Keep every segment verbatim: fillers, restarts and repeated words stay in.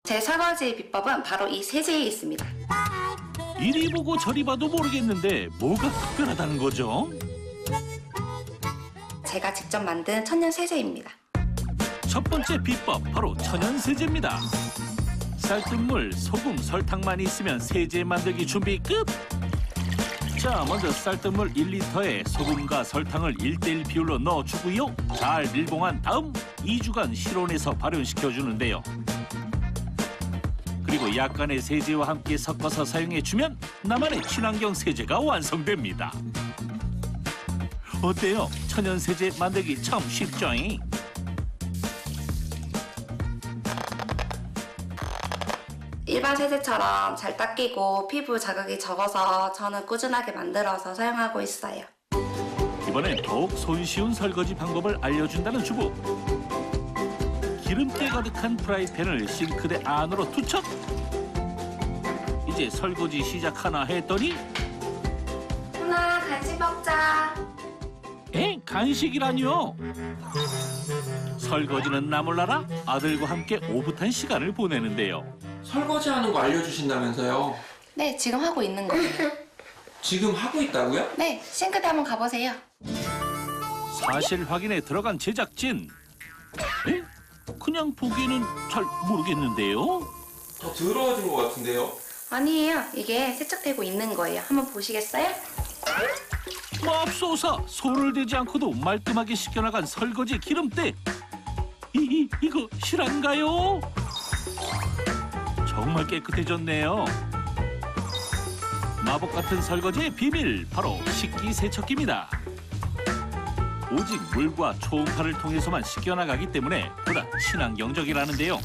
제 설거지 비법은 바로 이 세제에 있습니다. 이리 보고 저리 봐도 모르겠는데 뭐가 특별하다는 거죠? 제가 직접 만든 천연 세제입니다. 첫 번째 비법 바로 천연 세제입니다. 쌀뜨물, 소금, 설탕만 있으면 세제 만들기 준비 끝! 자, 먼저 쌀뜨물 일 리터에 소금과 설탕을 일 대 일 비율로 넣어주고요. 잘 밀봉한 다음 이 주간 실온에서 발효시켜주는데요. 그리고 약간의 세제와 함께 섞어서 사용해주면 나만의 친환경 세제가 완성됩니다. 어때요? 천연 세제 만들기 참 쉽죠? 일반 세제처럼 잘 닦이고 피부 자극이 적어서 저는 꾸준하게 만들어서 사용하고 있어요. 이번엔 더욱 손쉬운 설거지 방법을 알려준다는 주부. 기름기 가득한 프라이팬을 싱크대 안으로 투척. 이제 설거지 시작하나 했더니 훈아, 간식 먹자. 에? 간식이라뇨? 설거지는 나 몰라라 아들과 함께 오붓한 시간을 보내는데요. 설거지하는 거 알려주신다면서요? 네, 지금 하고 있는 거예요. 지금 하고 있다고요? 네, 싱크대 한번 가보세요. 사실 확인에 들어간 제작진. 에? 그냥 보기에는 잘 모르겠는데요. 더 더러워진 것 같은데요? 아니에요. 이게 세척되고 있는 거예요. 한번 보시겠어요? 맙소사 손을 대지 않고도 말끔하게 씻겨나간 설거지 기름때. 이, 이, 이거 실한가요? 정말 깨끗해졌네요. 마법 같은 설거지의 비밀 바로 식기세척기입니다. 오직 물과 초음파를 통해서만 씻겨나가기 때문에 보다 친환경적이라는데요.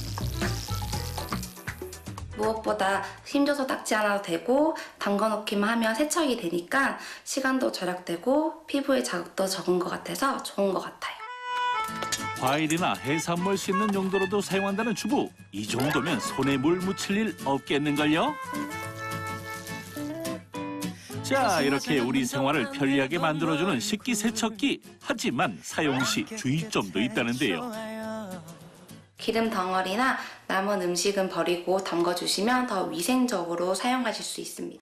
무엇보다 힘줘서 닦지 않아도 되고 담궈놓기만 하면 세척이 되니까 시간도 절약되고 피부에 자극도 적은 것 같아서 좋은 것 같아요. 과일이나 해산물 씻는 용도로도 사용한다는 주부. 이 정도면 손에 물 묻힐 일 없겠는걸요? 자, 이렇게 우리 생활을 편리하게 만들어주는 식기세척기. 하지만 사용 시 주의점도 있다는데요. 기름 덩어리나 남은 음식은 버리고 담궈주시면 더 위생적으로 사용하실 수 있습니다.